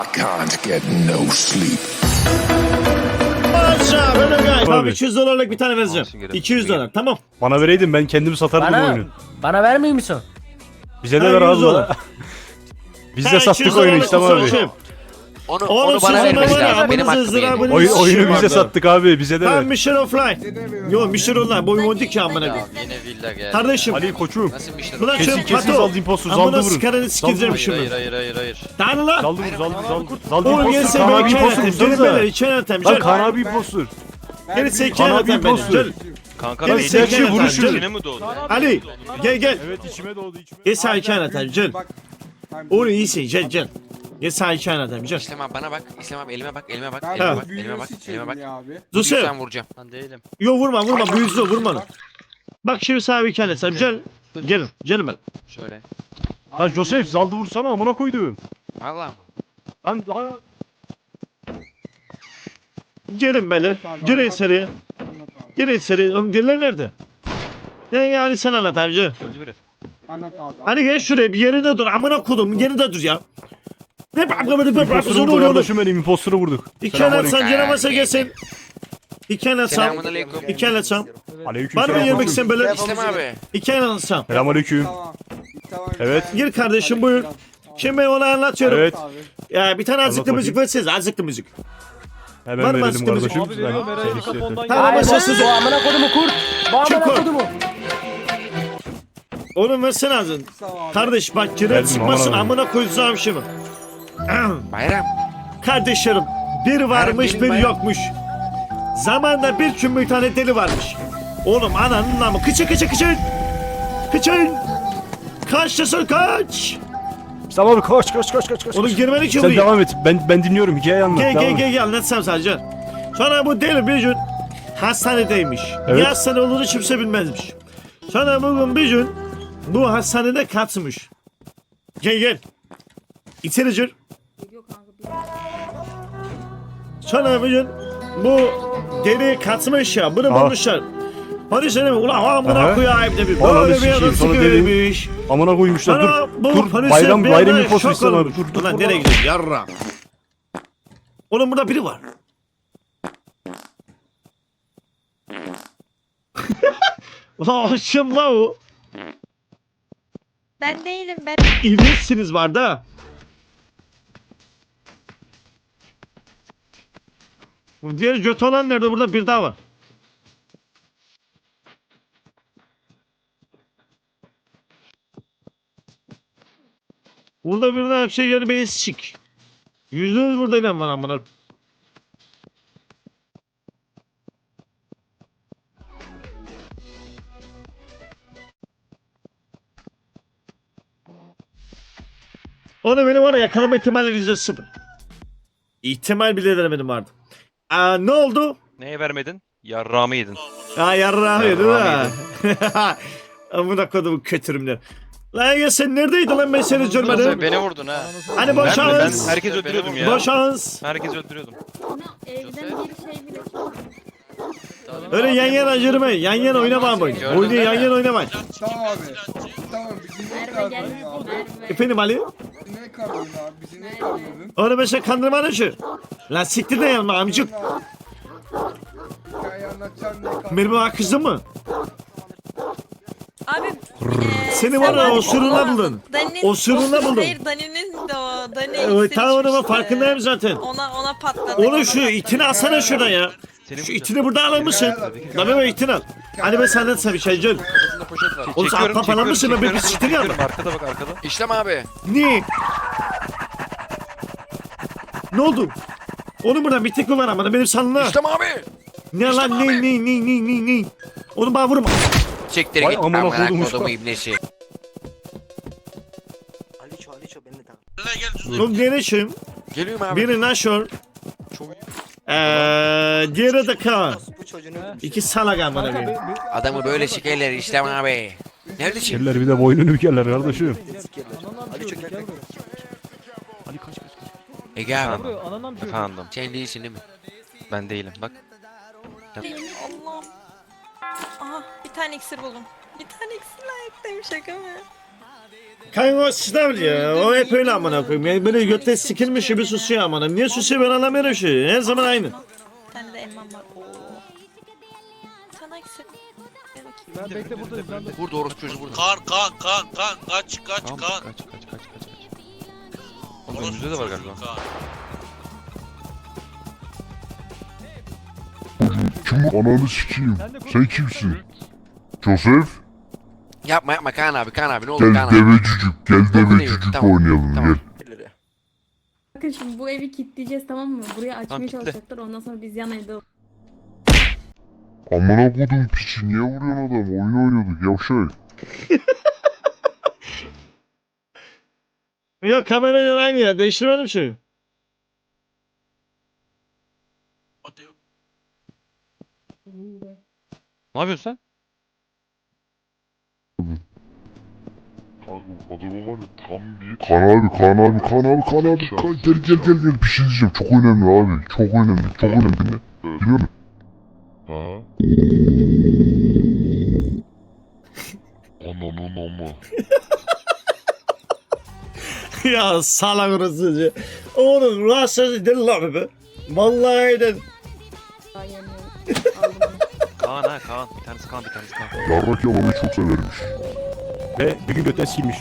Can't get no sleep. Aşağı böyle gay. Tamam Abi. 200 dolarlık bir tane vereceğim. 200 dolar tamam. Bana vereydin ben kendim satardım bu Bana, oyunu. bana vermiyor musun? Bize de Ha, ver 100 abi. dolar. Biz Ha, de 200 sattık oyunu dolarlık işte bir abi. şey. Onu Oğlum bana sizin vermesi var ya, lazım. Benim amınızı hakkım yani. ızdırabını Oyunu şişim bize vardı. sattık abi bize de Tamam ver. Mission Offline. Yo Mission Online bu oyun ki amına Ya koyayım. yine villa geldi. Kardeşim. Ali koçum. Nasıl bir şey? Buna Kesin şöyle kesin pato. zaldı impostor zaldı Amına vurun. sikarını sikeceğim Hayır şimdi. hayır. Tanrı lan. Zaldı vur zaldı Oğlum impostor. gelsin Kaan ben abi iki impostor yönetim. Gelin vursanıza. böyle iki yönetim. Lan Gel. Kaan abi impostor. Gelin iki Kaan abi yönetim. impostor. Gel. Kanka Gel, beni sen içine gel, vuruşun gel. içine mi doğdu? Ali gel. Evet içime doğdu içime. Gel sağ iki yönetim. Gel. Oğlum iyisin gel. Gel sağ iki yönetim. Gel. İslam abi bana bak. İslam abi elime bak. Elime bak. Ha. Elime bak. Elime bak. Dur sen. Lütfen vuracağım. Ben değilim. Yo vurma bu yüzde vurma. Bak şimdi sağ iki yönetim. Gel. Gelin ben. Şöyle. Lan Joseph zaldı vursana amına koydum. Valla. Lan Gelin böyle. Gelin içeriye. Gelin içeriye. Oğlum gelirler nerede? Yani sen anlat amca. Öldü biri. Hani gel şuraya bir yerinde dur. Amına kodum yerinde dur ya. Ne böyle impostor sonra vurdu oluyor. kardeşim benim impostoru vurduk. İki el atsan canamasa gelsin. İki el atsam. Selamünaleyküm. İki el atsam. Aleyküm Var mı yemek sen böyle? İslam abi. İki el atsam. Selamünaleyküm. Evet. Gir kardeşim buyur. Şimdi ben ona anlatıyorum. Evet. Ya bir tane azıcıklı Anlat müzik verseniz azıcıklı müzik. Hemen Var mı verelim aslında kardeşim. bizim? Ben- Tamam Ay, başla bu sizin. amına kodumu kurt. Bu amına Çık kodumu. Oğlum versene ağzını. Kardeş bak girer Verdim, çıkmasın aman amına koyacağım şimdi. Bayram. Kardeşlerim bir varmış gelin bir bayram. yokmuş. Zamanda bir gün bir tane deli varmış. Oğlum ananın namı kıçın. Kıçın. Kaçtasın kaç. Tamam abi koş. Oğlum girmedi ki Sen buraya. devam et. Ben dinliyorum. Hikayeyi anlat. devam et. Gel anlatsam sadece. Sonra bu deli bir gün hastanedeymiş. Evet. Niye hastane olduğunu kimse bilmezmiş. Sonra bugün bir gün bu hastanede kaçmış. Gel. İçeri gir. Sonra bir gün bu deli kaçmış ya. Bunu Aha. bulmuşlar. Hadi seni ulan amına Aha. koyayım demiş. Ananı Böyle bir sikeyim, adam sonra sıkıymış. Amına koymuşlar. Sonra Dur. bu Dur. polise Bayram bir bayram anda imposter şok istemem abi. olmuş. Dur. Ulan nereye gidiyorsun yarra? Oğlum burada biri var. Ulan kim la o? Ben değilim ben. İlginçsiniz var da. Bu diğer göt olan nerede? Burada bir daha var. Burada bir daha şey yani beni sik. %100 burada inan var amına. Onu benim var ya yakalama ihtimali %0. İhtimal bile denemedim vardı. Ne oldu? Neye vermedin? Yarrağımı yedin. Yarrağım yedin ha. Yarrağımı Amına kodumu kötürümler. Lan ya sen neredeydin lan ben seni görmedim. Beni vurdun ha. Hani Ben boşans. herkes öldürüyordum ya. Boşans. Herkes öldürüyordum. Evden bir şey bile. Öyle yan yana yürümeyin. Yan yana oynamayın. Gördün Oyunu değil yan mi? yana oynamayın. Tamam abi. Tamam bizi ne Merve kandırdın gel. abi? Merve. Efendim Ali? Bizi ne kandırdın abi? Bizi ne kandırdın? Onu mesela kandırmanın şu. Lan siktir de yanma amcık. Hikaye anlatacağım ne kandırdın? Benim o kızım mı? Abi Seni var ya o sırrına buldun. O sırrına buldum. Hayır Dani'nin de o. Dani Evet tamam onun farkındayım zaten. Ona patladı. Onu şu itini alsana şuradan ya. Şu itini burada alır mısın? Lan ben o itini al. Hani ben senden sana bir şey gel. Kafasında poşet var. Oğlum sen atla falan mısın? Ben bir siktir ya. Arkada bak arkada. İslam abi. Ne? Ne oldu? Onun burada bir tek mi var ama benim sanına. İslam abi. Ne lan ne? Onu bana vurma. Siktir Vay git. amına Amına koydum kodumu usta. ibnesi. Oğlum diğeri Geliyorum abi. biri naşör. Diğeri de Kaan. İki salak amına koyayım. Adamı böyle sikerler İslam abi. Neredesin? Kirler bir de boynunu bükerler kardeşim. Ege abi. Efendim. Sen değilsin değil mi? Ben değilim bak. Allah. Aha bir tane iksir buldum. Bir tane iksir layiktayım şaka mı? Kanka o sınav ya. O hep öyle amına koyayım. Yani böyle götte sikilmiş gibi susuyor amına. Niye susuyor ben anlamıyorum şu. Her zaman aynı. Bir tane de elmam var. Oo. Sana eksik. Gel bakayım. Ben bekle buradayım. Ben de. Burada orospu çocuğu burada. Kan kaç Tamam, kan. kaç. Oğlum önümüzde de var galiba. Kan. Kim ananı sikeyim? Sen kimsin? Joseph? Yapma Kaan abi ne olur Gel Kaan abi. devecicik, gel devecicik Tamam, oynayalım tamam. gel. Bakın şimdi bu evi kilitleyeceğiz, tamam mı? Buraya açmaya Tamam, kilitle. çalışacaklar, ondan sonra biz yan evde... Amına kodum piçi niye vuruyorsun adam? Oyun oynuyorduk yavşak. Yok kamerayla aynı ya. Değiştirmedim şeyi. Ne yapıyorsun sen? Adamı var ya tam bir... Kaan abi gel bir şey diyeceğim çok önemli abi çok önemli dinle. Biliyor musun? Ha? Ananın ama. Ya salak orası. Oğlum rahatsız değil lan be. Vallahi de. Daha yanıyor. Aldım onu. Kaan. Bir tanesi Kaan. Yarrak yalamayı çok severmiş. Ve bir gün götten silmiş.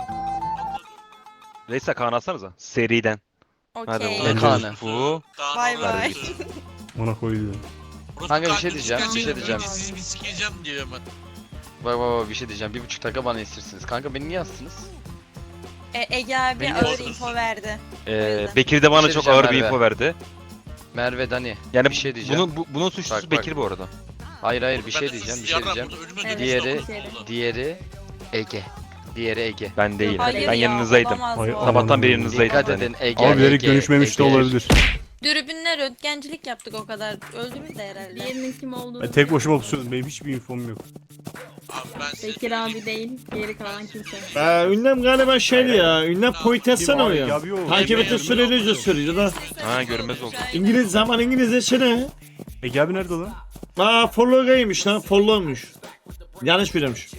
Neyse Kaan alsanıza. Seriden. Hadi Okey. bakalım. Kaan'ı. Bu. Bay bay. Ona koydu. Kanka bir şey diyeceğim. Sizi bir sikeceğim diyor hemen. Bak bir şey diyeceğim. 1,5 dakika bana istirsiniz. Kanka beni niye astınız? Ege abi Beni ağır yordunuz. info verdi. Bekir de bana Bir şey çok diyeceğim ağır bir Merve. info verdi. Merve Dani. Yani bir şey diyeceğim. Bunun suçlusu Bak. Bekir bu arada. Hayır bir şey Ben de diyeceğim. sizi Bir şey yarram diyeceğim. burada önüme Evet, dönüyor. Diğeri Ege. Diğeri Ege. Ben değilim. Hayır Ben ya, yanınızdaydım. olamaz Hayır, bu. tamam. Sabahtan beri yanınızdaydım. Dikkat Yani. edin Ege. Abi bilerek Ege, dönüşmemiş de Ege. olabilir. Dürbünle röntgencilik yaptık o kadar. Öldünüz de herhalde. Diğerinin kim olduğunu... Ben tek başıma pusuyorum. Benim hiçbir infom yok. Abi ben size Bekir abi değil, geri kalan kimse. Ünlem galiba şeydi ya. Ünlem poitessene o Kim ya. abi? Abi o. Takip eti süreli söylüyor da. Ha görünmez oldu. İngiliz zaman İngilizce ne? Ege abi nerede lan? Follow'gaymış lan. Follow'muş. Yanlış biliyormuş.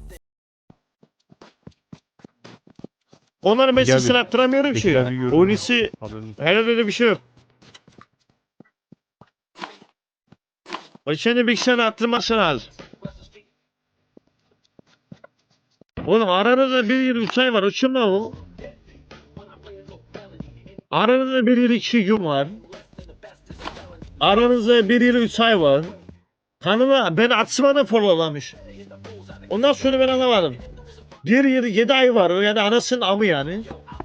Onların ben Ege abi. sesini yaptıramıyorum Bekir ki. abi gördüm. Oynisi Haberin. hele öyle bir şey yok. O şimdi bilgisayarı attırması lazım. Oğlum aranızda bir yıl 3 ay var. Uçun lan o. Aranızda bir yıl 2 gün var. Aranızda bir yıl 3 ay var. Hanıma ben atsıma da followlamış. Ondan sonra ben anlamadım. Bir yıl 7 ay var. Yani anasının amı yani.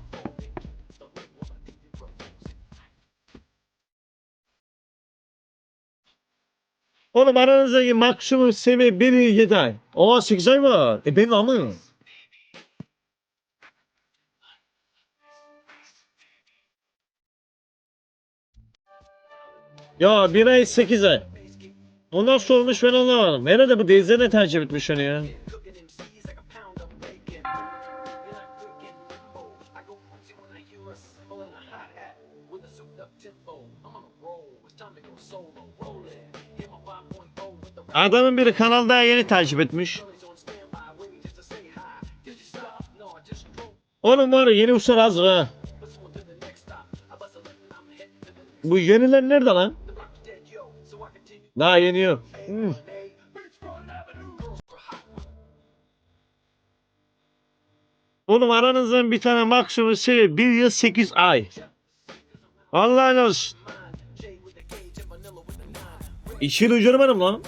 Oğlum aranızdaki maksimum seviye 1 yıl 7 ay. 8 ay var. Benim amım. Ya 1 ay 8 ay. Ondan sonra olmuş ben anlamadım. Herhalde bu Deyze ne tercih etmiş onu ya. Adamın biri kanal daha yeni takip etmiş. Oğlum var ya yeni uçlar hazır ha. Bu yeniler nerede lan? Daha yeni yok. Oğlum aranızdan bir tane maksimum şey 1 yıl 8 ay. Allah'ın olsun. 2 yıl ucurmadım lan.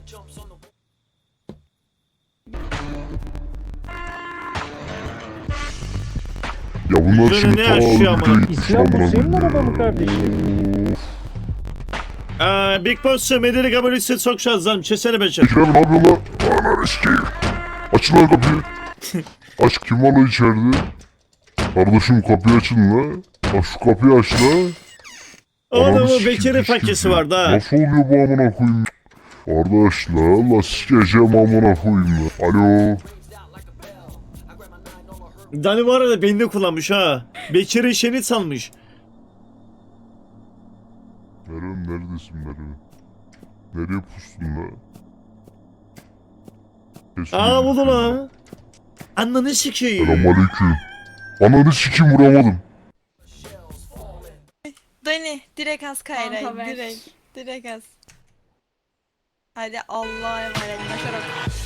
Ya bunlar Üzerine şimdi ne ta yaşıyor amına? videoya gitmiş amına koyayım. Big Boss'u medeni kabul etse çok şanslıyım. Çesene beşer. Bekir abi ne yapıyorsun lan? Ananı sikeyim. Açın lan kapıyı. Aç kim var lan içeride? Kardeşim kapıyı açın lan. Bak şu kapıyı aç lan. Oğlum Ananı bu sikeyim, Bekir'in sikeyim. fakisi vardı ha. Nasıl oluyor bu amına koyayım? Kardeş la sikeceğim amına koyayım la. Alo. Dani bu arada beni de kullanmış ha. Bekir'in şeyini salmış. Meryem neredesin Meryem? Nereye pustun la? Kes Aa beni. buldu lan. Ananı sikeyim. Selamünaleyküm. Ananı sikim vuramadım. Dani direkt az Kayra'yı. Kanka ver. Direkt az. Hadi Allah'a emanet. Başarılı.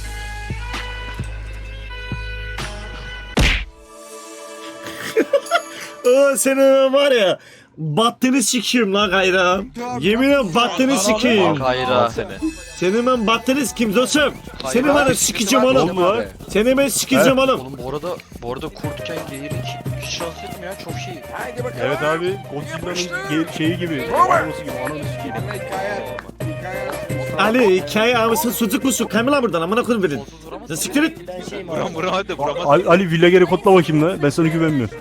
Senin var ya. Battını sikeyim lan Kayra. Yeminle battını sikeyim. Kayra. Senin ben battını sikeyim dostum. Seni var ya sikeceğim Ne oğlum. oldu lan? Seni ben sikeceğim oğlum. Oğlum bu arada kurtken geğiri hiç şans etmiyor ya çok şey. Evet abi. Godzilla'nın şeyi gibi. Anası gibi. Ananı sikeyim. Ali hikaye abisi sucuk musun? Kamila buradan amına koyayım verin. Onsuz vuramaz. Sen siktir et. Vuram hadi vuramaz. Ali Villager'i kodla bakayım la. Ben sana güvenmiyorum.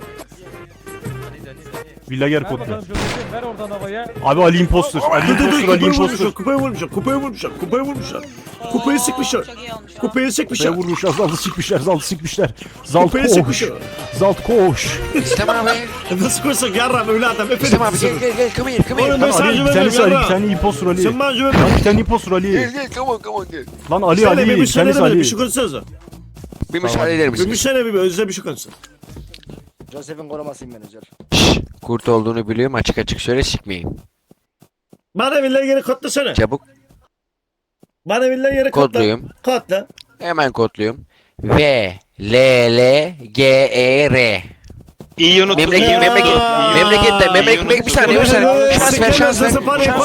Villager kodla. Abi Ali imposter. Ali Dur imposter. Ali kupayı imposter. vurmuşlar, kupayı vurmuşlar, kupayı vurmuşlar, kupayı vurmuşlar. Kupayı sıkmışlar. Çok iyi olmuş. Kupayı Şeye sıkmışlar. vurmuşlar. Zaltı sikmişler. Zaltı sikmişler. Zalt Kupayı koş. sıkmışlar. Zalt koş. İstem abi. Nasıl koysak yarram öyle adam İstem abi efendim. gel come here come here. Oğlum ben sana Ali bir güvenmiyorum tanesi Ali. Bir yarram. tane imposter Ali. Sen bana güven. Lan bir tane imposter Ali. Gel come on gel. Lan Ali Sen Ali. bir Bir müsaade tanesi edemedin, Ali. bir şey konuşsanıza. Bir müsaade eder Bir misiniz? müsaade bir özle bir şey konuşsun. Joseph'in korumasıyım menajer. Kurt olduğunu biliyorum açık açık söyle sikmeyin. Bana villayı geri kodlasana. Çabuk Bana villayı geri kodla. kodluyum. Kodla. Hemen kodluyorum. V L L G E R. İyi unuttum. Memleket bir saniye. Şans ver. Şans ver.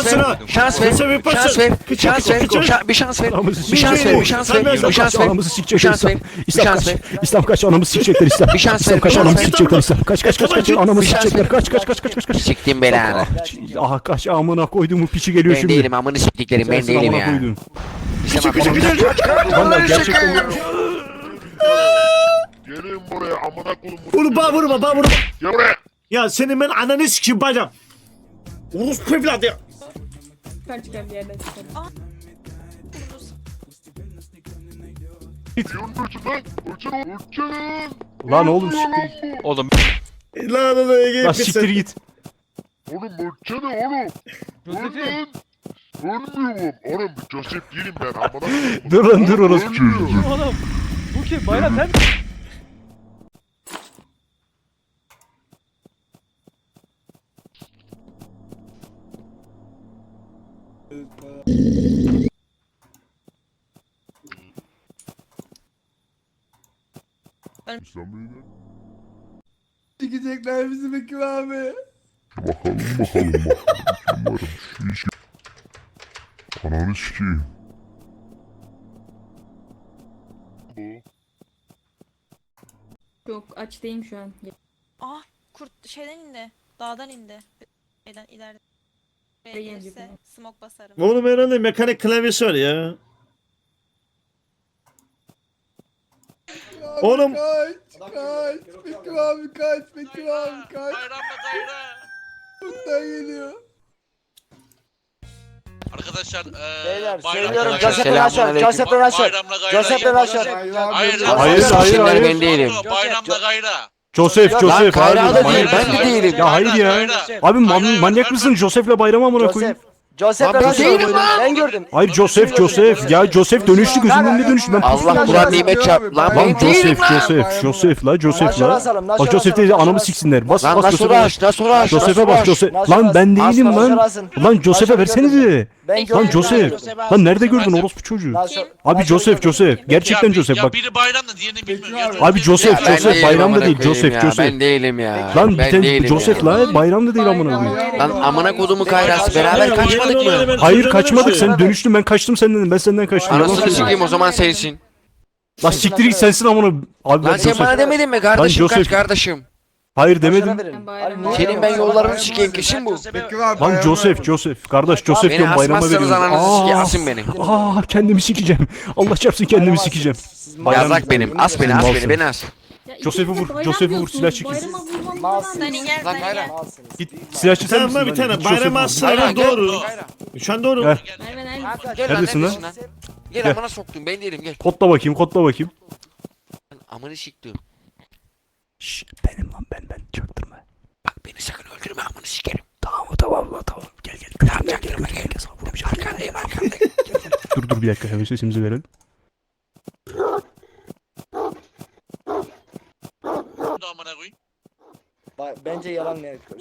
Anamızı sikecekler şans ver. İslam. şans ver. İslam kaç anamızı sikecekler İslam. Bir şans İslam ver. kaç anamızı sikecekler İslam. Kaç anamızı Bir şans sikecekler. ver. Kaç. Siktim belanı. Aha kaç amına koyduğumu piçi geliyor Ben şimdi. değilim amını siktiklerim ben Sensin değilim amına ya. koydum. İstem abi. Vallahi gerçekten Gelin buraya amına koyun. Oğlum bana vurma, bana vurma. Gel buraya. Ya senin ben ananı sikeyim bacım. Orospu evladı ya. Çıkar bir yerden çıkar. Lan oğlum siktir. Oğlum Lan lan Ege Lan siktir git. Oğlum ölçene oğlum. Ölün. Ölmüyorum. Oğlum Joseph değilim ben amına koyayım. Dur lan dur orası. Ölmüyorum. İslam Bey'den. Çıkacaklar bizi Bekir abi. Bakalım. Umarım şu işi. Ananı sikeyim. Yok aç değilim şu an. Ah kurt şeyden indi. Dağdan indi. Şeyden ileride. Buraya Buraya gelirse gidiyor. smoke basarım. Oğlum herhalde mekanik klavyesi var ya. Oğlum. Kaç. Bekir abi kaç. Bekir abi kaç. Bayramla Kayra. Buradan geliyor. Arkadaşlar Beyler bayramla söylüyorum Kayra. Joseph'in aşağı. Joseph'in aşağı. Bayramla Kayra. Joseph'in aşağı. Hayır Hayır. Ben değilim. Bayramla Kayra. Joseph. Lan Kayra Hayır, da manyak değil ben de mısın? değilim. Ya hayır ya. Abi manyak mısın? Joseph'le bayram amına koyayım. Joseph'in Lan aşağı. değilim lan. Ben gördüm. Hayır Joseph. Ya Joseph dönüştü gözümün önünde dönüştü. Ben Allah Kur'an nimet çarp. Lan Lan ben değilim lan. Joseph Naşor la. asalım. Bak Joseph değil anamı siksinler. Bas Lan bas nasıl Joseph'e. aç? Nasıl aç? Joseph'e bak Joseph. Lan ben değilim lan. Lan Joseph'e versenize. Ben Lan Joseph. Lan nerede gördün orospu çocuğu? Abi Joseph. Gerçekten Joseph bak. biri bayramla diğerini bilmiyorum. Abi Joseph bayramda değil Joseph. Ben değilim ya. Lan bir Ben tane değilim Joseph ya. la bayramda değil amına koyayım. Lan amına kodumu kayrası beraber kaçmadık mı? Hayır kaçmadık sen dönüştün ben kaçtım senden ben senden kaçtım. Yalan Anasını söylüyorum. sikeyim o zaman sensin. Lan siktir git sensin amına. Abi Lan ben sen bana Joseph. demedin mi kardeşim Joseph- kaç kardeşim? Hayır demedim. Senin ben yollarını sikeyim kesin bu. Bekir abi. Lan Joseph. Kardeş Joseph Beni diyorum bayrama asmazsanız veriyorum. ananızı sikeyim asın beni. Kendimi sikeceğim. Allah çarpsın kendimi sikeceğim. Bayram- Yazak benim as beni beni as. Joseph'i vur, silah çekilsin. Dani gel Lan Dani Kayra. gel. Git silahçı sen Tamam misin? bir lan? tane Git Joseph'i bayram vur. aslanlar doğru. Şu an doğru. Heh. Gel Neredesin lan? Gel Gel. amına soktum ben değilim gel. Kodla bakayım. Amını siktim. Şşş benim lan ben çaktırma. Bak beni sakın öldürme amını sikerim. Tamam gel. Tamam çaktırma gel. Arkandayım arkandayım. Dur bir dakika hemen sesimizi verelim.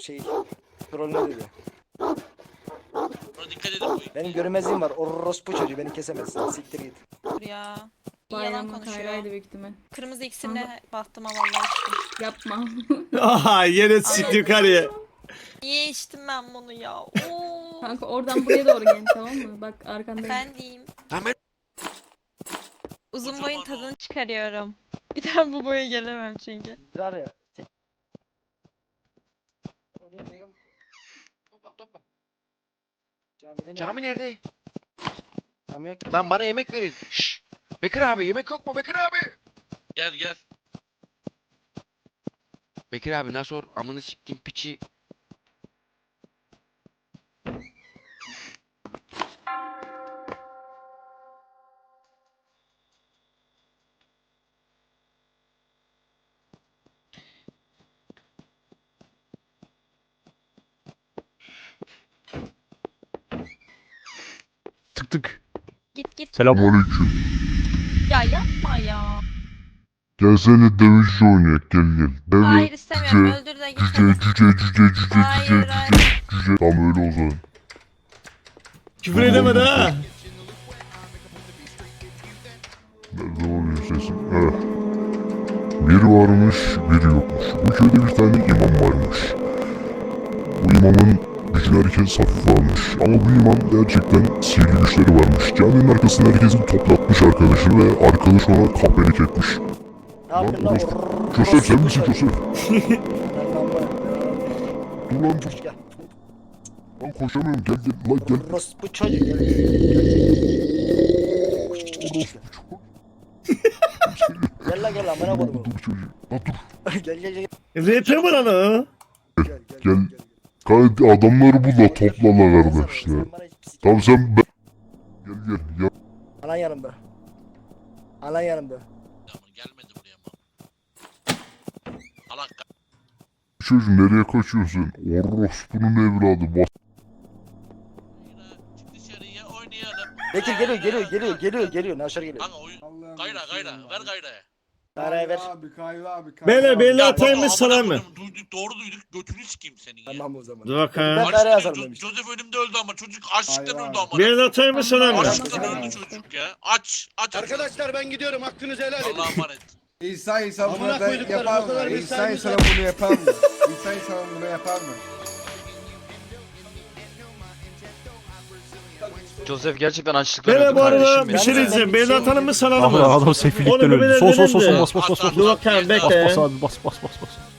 şey trollüne dedi. Buna dikkat edin bu. Benim görünmezliğim var. Orospu çocuğu beni kesemezsin. Siktir git. Dur ya. İyi yalan Bayram konuşuyor. Kayra'ydı büyük ihtimal. Kırmızı iksirle baktım ama vallahi içtim. Yapma. Aha yine siktir yukarıya. Niye içtim ben bunu ya? Oo. Kanka oradan buraya doğru gel tamam mı? Bak arkandayım. Efendim. Tamam. Uzun boyun tadını çıkarıyorum. Bir daha bu boya gelemem çünkü. Var ya. Cami nerede? Tamam yok. Lan bana yemek verin. Şşş. Bekir abi yemek yok mu Bekir abi? Gel gel. Bekir abi nasıl or? Amını siktim piçi. Tık tık. Git git. Selam. Aleyküm. Ya yapma ya. Gelsene dövüşçü oynayak gel gel. Deve, Hayır istemiyorum. cüce, Öldür de git. cüce. Hayır hayır. Tam öyle o zaman. Küfür edemedi ha. Nerede oluyor sesim? Evet. Biri varmış, biri yokmuş. Bu köyde bir tane imam varmış. Bu imamın gücünü herkes hafife almış. Ama bu imam gerçekten sihirli güçleri varmış. Caminin arkasında herkesi toplatmış arkadaşını ve arkadaş ona kahpelik etmiş. Ne yapıyorsun lan? Orospu Joseph sen misin çocuğu. Joseph? Dur lan dur. Gel. Lan koşamıyorum gel gel lan gel. Orospu çocuğu gel. Gel lan gel lan bana koydum. Dur çocuğu. Lan dur. Gel gel gel. RP mi lan o? Gel. Kanka adamları bul da topla la kardeşler. Tamam sen ben. Gel gel. Ya Alan yanımda. Alan yanımda. Ama gelmedi buraya ama. Allah çocuğu nereye kaçıyorsun? Orospu'nun evladı. Bas. Çık dışarıya oynayalım. Bekir geliyor. Naşar geliyor. Kanka oyun. Gayra ver gayraya. Gayraya ver. Beyler belli Ya atayım mı baba, sana amına mı? koydum, duyduk doğru duyduk götünü sikeyim senin ya. Tamam o zaman. Dur bakalım. Ben gayraya yazarım demiş. Joseph önümde öldü ama çocuk açlıktan öldü ama. Belli atayım mı sana mı? Açlıktan Tamam. öldü çocuk ya. Aç. Arkadaşlar ben gidiyorum hakkınızı helal edin. Allah'a emanet. İnsan bunu Amına da koyduklarım, yapar o kadar mı? mesai İnsan mi? bunu yapar mı? İnsan bunu yapar mı? Joseph gerçekten açlıktan Beyler öldü bu arada kardeşim bir benim. şey diyeceğim. Belli atalım mı sana Adam, mı? adam sefillikten Oğlum, öldü. beyler, Sol beyler, bas beyler. bas bas bas. Dur bakalım Bas bekle. bas abi bas bas bas bas.